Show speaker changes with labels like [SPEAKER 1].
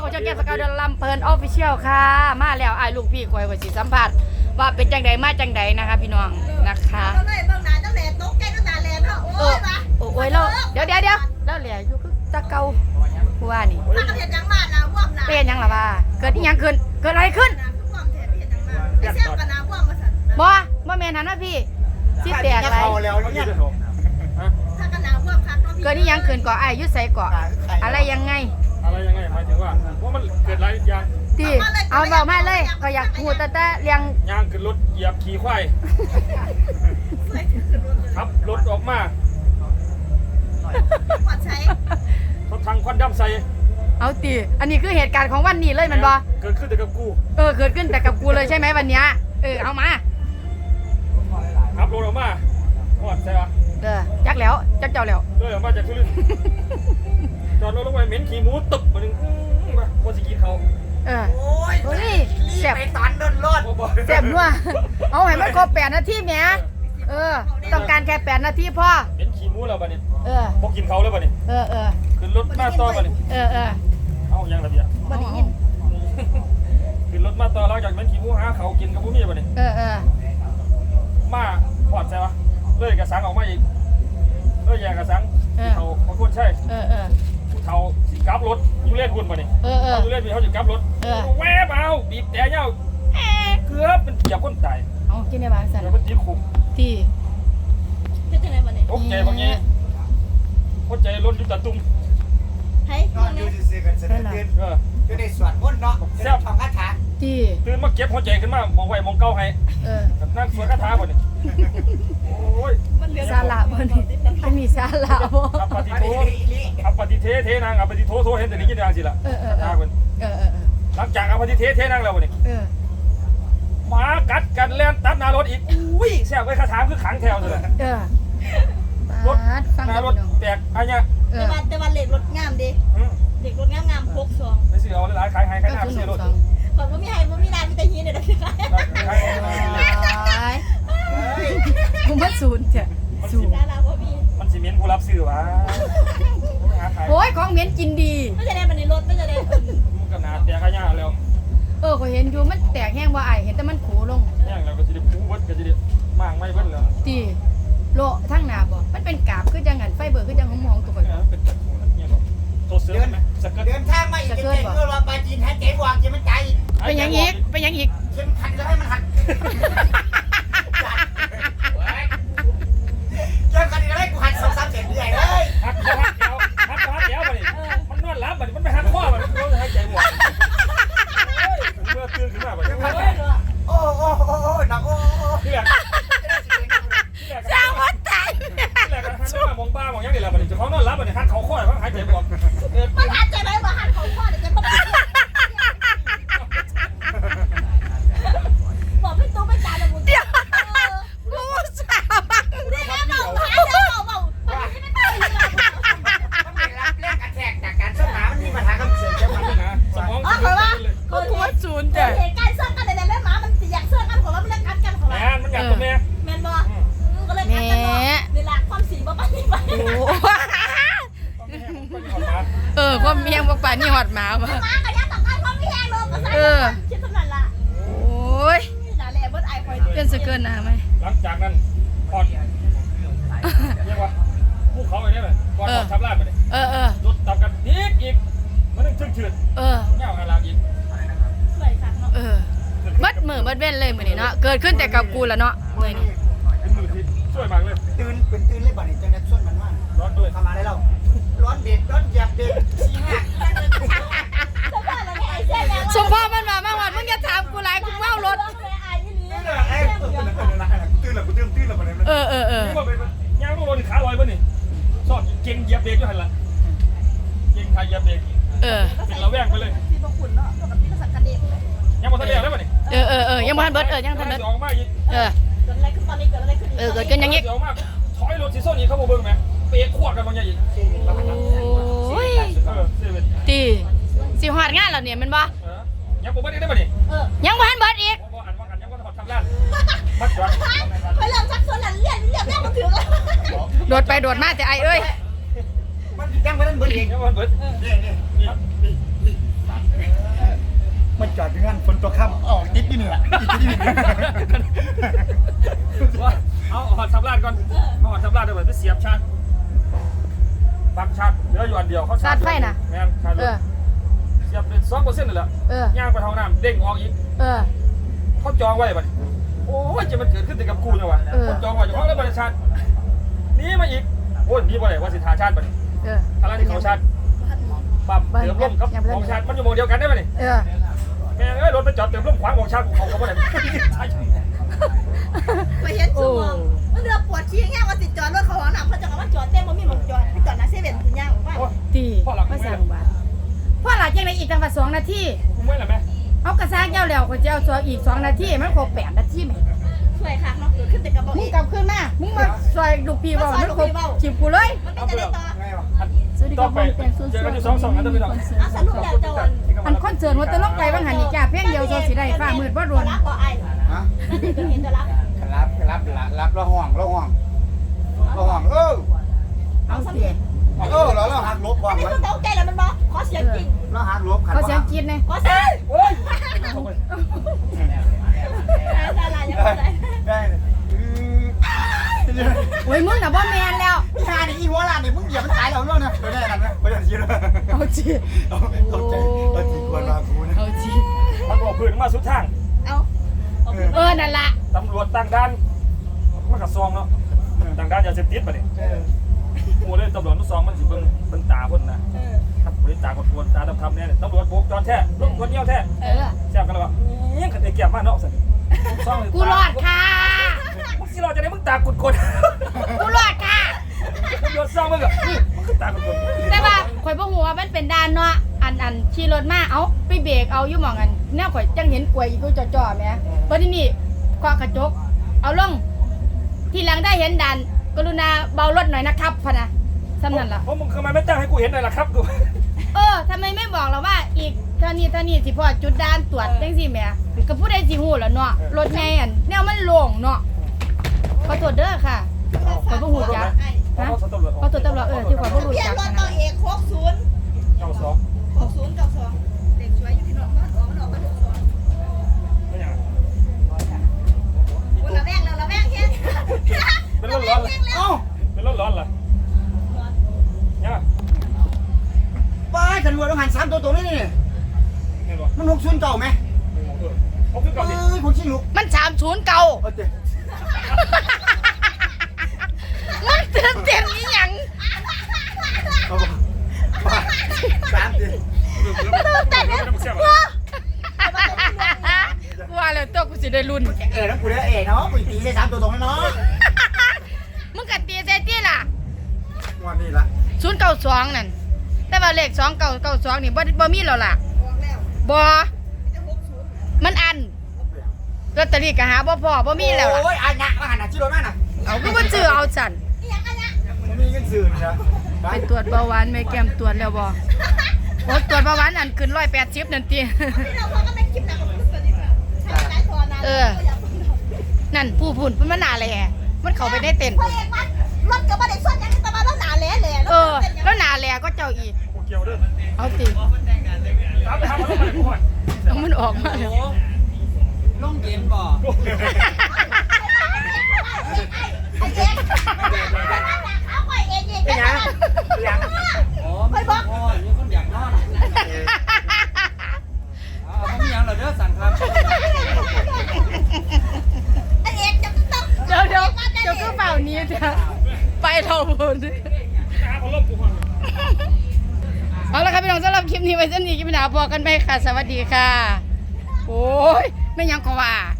[SPEAKER 1] ของช่องแก้มสกาวเดลำเพลินออฟฟิเชียลค่ะมาแล้วไอ้ลูกพี่คอยว่าสิสัมผัสว่าเป็นจังใดมาจังใดนะคะพี่น้องนะคะโอ้ยเราเดี๋ยวแล้วเหลี่ยอยู่คือตะเกาผู้ว่านี่เป็นยังล่ะว่าเกิดยังขึ้นเกิดอะไรขึ้นบ่แม่นหันนะพี่สิแตกอะไรเกิดยังขึ้นก่อไอ้ยุดใส่ก่ออะไรยังไง
[SPEAKER 2] หมายถึงว่ามันเกิดอะไรอย่าง
[SPEAKER 1] ที่เอาบอกมาเลยก็อยากพูดแต่เรียง
[SPEAKER 2] ย่างขึ้นรถเหยียบขี่ควายครับรถออกมาเขาทางควันดำใส่
[SPEAKER 1] เอาตีอันนี้คือเหตุการณ์ของวันนี้เลยมันบอ
[SPEAKER 2] เกิดขึ้นแต่กับกู
[SPEAKER 1] เกิดขึ้นแต่กับกูเลยใช่ไหมวันนี้เอามา
[SPEAKER 2] ครับรถออกมาหอดใช่ปะ
[SPEAKER 1] จักแล้วจักเจ้าแล้ว
[SPEAKER 2] ออกมาจากทุเรศจอดรถลงไปเหม็นขี้หมูตึบมาหนึ่งมาคนสิกินเขา
[SPEAKER 1] โอ้ยแซ่บ
[SPEAKER 3] ไปตันโดนรถ
[SPEAKER 1] แซ่บนัวเอาให้มันครบ8 นาทีแหมต้องการแค่8 นาทีพ่อ
[SPEAKER 2] เหม็นขี้หมูแล้วบัดนี้พวกกินเขาแล้วบัดนี้ขึ้นรถมาต่อบัดนี้เอายังระเบียบ
[SPEAKER 1] บัดนี้
[SPEAKER 2] ขึ้นรถมาต่อแล้วจากเหม็นขี้หมูหาเขากินกับพวกนี้บัดนี้มาหอดใช่ปะเลยกระสังออกมาอีกแย่กระสังเขาคนใช่ผู้เฒ่าสิกลับรถยูเล่นหุ่นมาเนี่ยยูเล่นมีเขาจะกลับรถแวบเอาบีบแต่เงาเกือบเป็นเหยียบคนตาย
[SPEAKER 1] เอากินในบ้านสั่น
[SPEAKER 2] เดี๋ยวมันตีคุม
[SPEAKER 1] ที่
[SPEAKER 2] เป็นยังไงบ้างเนี่ยโอเคบางอย่างเข้าใจรถยุตตุ้ม
[SPEAKER 3] นอนอยู่ซื่อกันเสร็จตื่นอยู่ในสวนพ้นเนาะแซ่บทองคาถา
[SPEAKER 1] ที่
[SPEAKER 2] ตื่นมาเก็บหัวใจขึ้นมามองไว้มองเก้าให้กับนั่งสวนคาถาบ่เนี่ยโอ้ย
[SPEAKER 1] ซาลาบ่นี่มันมีซาลาบ่
[SPEAKER 2] อัปปฏิโทอัปปฏิเทนางอัปปฏิโทเห็นแต่นี้กินอย่างสิล่ะคาถาเพิ่นหลังจากอัปปฏิเทนางแล้วบ่นี่หมากัดกันแล่นตัดหน้ารถอีกอุ้ยแซ่บไว้คาถาคือขังแถวเลยรถหน้ารถแตกอะไรเงี้ย
[SPEAKER 4] แต่ว่าเหล็กรถงามดิเหล็กรถงามพกซอง
[SPEAKER 2] ไม่ซื้อเอาหลายขายหน้าไม่ซื้อรถ
[SPEAKER 4] ก่อนว่ามีนานมีแต่ฮีเนี่ยนะคือ
[SPEAKER 1] กูมาศูนย์เถอะศูนย์
[SPEAKER 2] มันสิเมียนผู้รับซื้อวะ
[SPEAKER 1] โอ้ยของเมียนกินดี
[SPEAKER 4] ไม่จะได้มันในรถไม่จะได้
[SPEAKER 2] มันก็หนาแตกขยะแล้ว
[SPEAKER 1] ก็เห็นอยู่มันแตกแห้งว่าไอเห็นแต่มันขูลง
[SPEAKER 2] แห้งแล้วก็จะได้ปูวัดก็จะได้มั่งไม่เบิ้ลเลย
[SPEAKER 1] ตีโลทั้งหนาบ่มันเป็นกาบคือจังหันไฟเบอร์คือจังหอมตัวก่อน
[SPEAKER 2] เป็นเนี่ยบอกตัวเสือไหมสเกิร์ต
[SPEAKER 3] เดินทางมาอีกเก่งเมื่อว่าปลาจีนให้เจ๊วางเจ๊มันใจ
[SPEAKER 1] เป็นยังอีก
[SPEAKER 3] เข็มขัดแล้วให้มันหักเข็มขัดแล้วให้กูหัก2-3 เส้นเรื่อยเลย
[SPEAKER 2] หักเดี๋ยวไปมันนอนหลับมันไม่หักข้อมันต้องหายใจหมดเมื่อตื่นขึ้นมาไป
[SPEAKER 3] โอ้หนัก
[SPEAKER 2] ที่แรก
[SPEAKER 1] สร้างวัดใจ
[SPEAKER 2] ที่แรกหันมามองบ้ามองยังไงล่ะมันจะเขานอนหลับมันหักเขาข้อเขาหายใจหมด
[SPEAKER 4] มันหักใจไหมว่าหักเขาข้อเดี๋ยวจะบอกพี่ตู้ไม่จ่ายเลยมึง
[SPEAKER 1] กูสาว
[SPEAKER 4] นี่แม่บอกหายใจบอกนี่ไม่ได้เลย
[SPEAKER 3] มันไม่รับแรงกระแทกจากการเชื่อมหามันมีปัญหาคำเสื่อมเชื่อมนะ
[SPEAKER 2] สมอง
[SPEAKER 1] กูว่าศูนย์แต่
[SPEAKER 4] เหตุการณ์เสื้อกันแต่แม่หมามันอยากเสื้อกันของเราไม่ได้กัดกันของเรา
[SPEAKER 2] มันอยากตัวแม่
[SPEAKER 4] แม่บอกก็เลยกัดกันเนาะเวลาความสีบ้าไป
[SPEAKER 1] ความเมียงบอกป่านี่หอดหมา
[SPEAKER 4] มาก็ยังต้องการความเมียงลงก็ใส่คิดสำนักละ
[SPEAKER 1] โอ้ย
[SPEAKER 4] น่าแหล่บดไอคอย
[SPEAKER 1] เป็นสเกิร์ตนะไหม
[SPEAKER 2] หลังจากนั้นพอดเรียกว่าผู้เขาไอ้นี่เลยก่อนทับลาดไปเลยรถตับกันอีกมันนึงเฉื่อยเงาอะไรอีก
[SPEAKER 4] สวยค่ะเนาะ
[SPEAKER 1] บัดมือบัดเว้นเลยมือนี่เนาะเกิดขึ้นแต่กับกูแล้วเนาะมือนี่
[SPEAKER 2] เป็นมือที่ช่วยมากเลย
[SPEAKER 3] ตื่นเลยบ่เนี่ยจังได้ช่วยมันมาก
[SPEAKER 2] ร้อนด้วย
[SPEAKER 3] ทำมาได้เราร้อนเด็ดร้อนเหยียบเด็ด
[SPEAKER 1] สมพ่อมันมามากวันมึงจะถามกูไรกูเมารถ
[SPEAKER 3] ตื่นแล้วบ่เนี่ย
[SPEAKER 2] นี่ว่าเป็นย่างต้องรถขาลอยป่ะนี่สอดเก่งเหยียบเบรกอยู่หันละเก่งไทยเหยียบเบรกเป็นระแวงไปเลย
[SPEAKER 4] ที่พวกคุณเนาะปกติก็สักกระเด็น
[SPEAKER 2] ยังมาทะเลแล้วป่ะนี่
[SPEAKER 1] ยังมาทันเบิร์ดยังทันเบิร์ด
[SPEAKER 2] ออกมาอีก
[SPEAKER 4] เกิดอะไรขึ้นตอนนี้เกิดอะไรขึ้น
[SPEAKER 1] เกิดกันยังงี้
[SPEAKER 2] ออกมาถอยรถสีส้มนี่เขาบอกเบิ้งไหมเปียกขวดกันบางอย่างอีก
[SPEAKER 1] โอ้ยตีสิหอดงานแล้วเนี่ยมันบ่
[SPEAKER 2] ยังบ่ได้ป่ะนี่
[SPEAKER 1] ยังบ่ทันเบิร์ดอีก
[SPEAKER 2] ยังบ่ทำร้านมัดจอด
[SPEAKER 4] ไปเริ่มชักชวนหลังเรียนแม่มาถึงแล้ว
[SPEAKER 1] โดดไปโดดมาแต่ไอมัน
[SPEAKER 3] ยังไม่ทันเบิร์ดเอง
[SPEAKER 2] ยังบ่เบิร์ดนี่ว่าเอาหอดทำลาดก่อนหอดทำลาดเดี๋ยวไปเสียบชาร์จปักชาร์จเหลืออยู่อันเดียวเขาชาร์จไฟนะแม่นชาร์จเสียบเป็น2%นี่แหละย่างไปท้องน้ำเด้งออกอีกเขาจองไว้บัดโอ้ยจะมันเกิดขึ้นแต่กับกูเนี่ยวะเขาจองไว้อยู่ห้องแล้วบัดชาร์จนี่มาอีกโอ้ยนี่บ่ได้ว่าสิทาชาร์จบัดอะไรที่เขาชาร์จปั๊มเติมลมกับของชาร์จมันอยู่โมเดียวกันได้ไหมนี่แม่เอ้ยรถไปจอดเติมลมขวางของชาร์จเขาก็บ่ได้
[SPEAKER 4] ไปเห็นชั่วโมงมันเรือปวดขี้แง่ว่าติดจอดรถเขาหนักเขาจะกลับมาจอดเต็มมันมีหมดจอดไปจอดนะเซเว่นคุณย่างว่า
[SPEAKER 1] ตีพ่อหลักไม่สั่งบ้านพ่อหลักยังไงอีกจังหวัด2 นาที
[SPEAKER 2] ไม่หรอแม่
[SPEAKER 1] เอากระซ่าเจ้าแล้วก็จะเอาตัวอีก2 นาทีมันครบ8 นาทีไหม
[SPEAKER 4] ช่วยค่ะเนาะเกิดขึ้นแต่กระบอก
[SPEAKER 1] มึงกลับขึ้นมามึงมาซอยลูกพี่บอกมันครบจีบกูเลย
[SPEAKER 4] มันเป็นจะได้ต่อ
[SPEAKER 2] ต่อไปเจอกันอยู่2 นั่นต้องไปต่อ
[SPEAKER 4] สรุปแล้วจะ
[SPEAKER 1] อันคอนเสิร์ตว่าจะลงไปบางหันนี่จ้าเพียงเดียวโซสิได้ฟ้ามืดว่าโดน
[SPEAKER 4] รับบ่ไอ้นั่นเองเห็นจะรับ
[SPEAKER 3] รับแล้วห้อง
[SPEAKER 1] เอาเสีย
[SPEAKER 3] เราหักลบความ
[SPEAKER 4] อันนี้คือเต้าใจแล้วมันบอกขอเสียงจริง
[SPEAKER 3] เราหักลบขัน
[SPEAKER 1] เขาเสียงกินไง
[SPEAKER 4] ขอเสียง
[SPEAKER 2] โอ้ย
[SPEAKER 4] อะไรยังไง
[SPEAKER 3] ได้
[SPEAKER 1] โอ้ยมึงน่ะบ่แมนแล้ว
[SPEAKER 3] งานอีหัวลานนี่มึงเหยียบมันตายแล้วเรื่องนะไม่ได้กันนะไม่ได้ชี้เลย
[SPEAKER 1] เอาจี
[SPEAKER 3] เข้าใจเราจีควรมากูนะ
[SPEAKER 1] เอาจี
[SPEAKER 2] มันบอกพื้นมาสุดทาง
[SPEAKER 1] นั่นละ
[SPEAKER 2] ตำรวจต่างด้านมันกระซองเนาะต่างด้านยาเสพติดป่ะเนี่ยโอ้เลยตำรวจทุกซองมันสิเบิ่งตาคนนะครับบริตาคนควรตาดำๆเนี่ยตำรวจโบกจอนแท้ลงคนเงี้ยวแท้แซ่บกันแล้วว่ายังขัดเกียบมากเนาะสิ
[SPEAKER 1] กูรอดค่ะ
[SPEAKER 2] มึงสิรอดจะได้มึงตากุดคน
[SPEAKER 1] กูรอดค่ะ
[SPEAKER 2] ตำรวจซองมึงอะมึงตากุดคน
[SPEAKER 1] แต่ว่าข่อยบ่ฮู้ว่ามันเป็นด้านเนาะอันขี่รถมาเอาไปเบรกเอาอยู่หม่องอันแนวข่อยจังเห็นกล้วยอีกูจ่อๆแหมบัดนี้เคาะกระจกเอาลงทีหลังได้เห็นด่านกรุณาเบารถหน่อยนะครับพะนะซ้ำนั่นล่ะ
[SPEAKER 2] เพราะมึงทำไมไม่แจ้งให้กูเห็นเลยล่ะครับกู
[SPEAKER 1] ทำไมไม่บอกเราว่าอีกเท่านี้สิพอจุดด่านตรวจจังซี่แหมก็ผู้ใดสิฮู้ล่ะเนาะรถไงอันแนวมันโล่งเนาะขอโทษเด้อค่ะขอบ่ฮู้จักฮะขอโทษตำรวจที่ขอบ่รู้จัก
[SPEAKER 4] รถต่อเอก60เด็กช่วยอยู่ที่นอกมันออกมาถูกซ้อนระแวงแค่
[SPEAKER 2] เป็นร้อนเลยเป็นร้อนเหรอเนี่ย
[SPEAKER 3] ป้าตำรวจต้องหัน3 ตัวนี่มัน60 เก่าไหม
[SPEAKER 2] 60 เก่าดิ
[SPEAKER 3] ผมชิงลูก
[SPEAKER 1] มัน30 เก่ามันเต็มอีหยังว่าแล้วตัวกูสิได้รุ่น
[SPEAKER 3] แล้วกูได้เนาะกูตีได้3 ตัวตรงแล้วเนาะ
[SPEAKER 1] มึงกัดตีใส่ตีล่ะ
[SPEAKER 3] วันนี้ล่ะ
[SPEAKER 1] 092นั่นแต่ว่าเลข2992นี่บ่มีแล้วล่ะบ่มันอันลอตเตอรี่ก็หาบ่พอบ่มีแล้วล่ะ
[SPEAKER 3] โอ้ยอันน่ะว่าหันน่ะชื่อรถมาน่ะ
[SPEAKER 1] เอากูบ่ซื้อเอาสั่น
[SPEAKER 3] บ่มีเงินซื้อนะ
[SPEAKER 1] ไปตรวจเบาหวานแม่แก้มตรวจแล้วบ่โอ้ตรวจเบาหวานอันขึ้น180นั่นตินั่นผู้พุ่นมันหนาแหล่มันเข้าไปได้เต้น
[SPEAKER 4] รถก็บ่ได้ส่วนยังแต่ว่าแล้วหนาแหล่
[SPEAKER 1] แล้วหนาแหล่ก็เจ้าอีกเอาติเอามันออกมาแล้ว
[SPEAKER 3] ลงเกมบ่
[SPEAKER 4] เอาไปเอง
[SPEAKER 3] ยังอ๋อไม่บอกมีคนอยากนอนเอาไม่ยังเหรอเด้อสั่งครับ
[SPEAKER 1] เดี๋ยวก็เปล่านี้จะไปเราหมดเอาละครับพี่น้องสำหรับคลิปนี้ไว้เส้นนี้คลิปหน้าพอกันไหมค่ะสวัสดีค่ะโอ้ยไม่ยังก็ว่า